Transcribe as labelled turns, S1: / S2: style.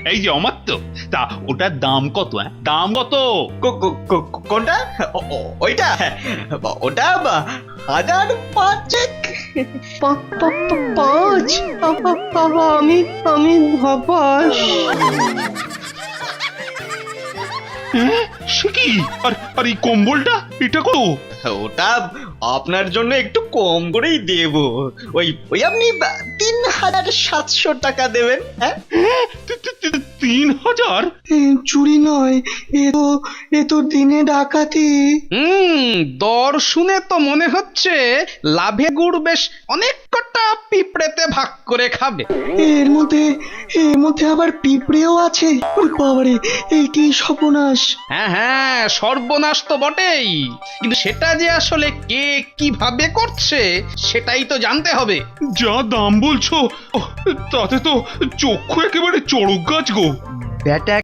S1: এই যে অমাত্য, তা ওটার দাম কত? দাম কত?
S2: কোনটা? ওইটা ওটা 1005।
S3: পাঁচ? আমি হবাস।
S1: হ্যাঁ, সে কি? আর এই কম্বলটা এটা কত?
S2: ওটা আপনার জন্য একটু কম করেই দেব। ওই ওই আপনি 3700 টাকা দেবেন। হ্যাঁ,
S1: 3000?
S3: চুরি নয়, এ তো দিনে ডাকাতি।
S4: দর শুনে তো মনে হচ্ছে লাভে গুড় বেশ অনেক কটা পিঁপড়েতে ভাগ করে খাবে।
S3: এর মধ্যে আবার পিঁপড়েও আছে। ওরে বাবারে, এই কি সর্বনাশ!
S4: হ্যাঁ হ্যাঁ, সর্বনাশ তো বটেই, কিন্তু সেটা যে আসলে কে কিভাবে করছে সেটাই তো জানতে হবে।
S1: যা দাম বলছো, তাতে তো চক্ষু একেবারে চড়ক গাছ গো।
S4: ব্যাটা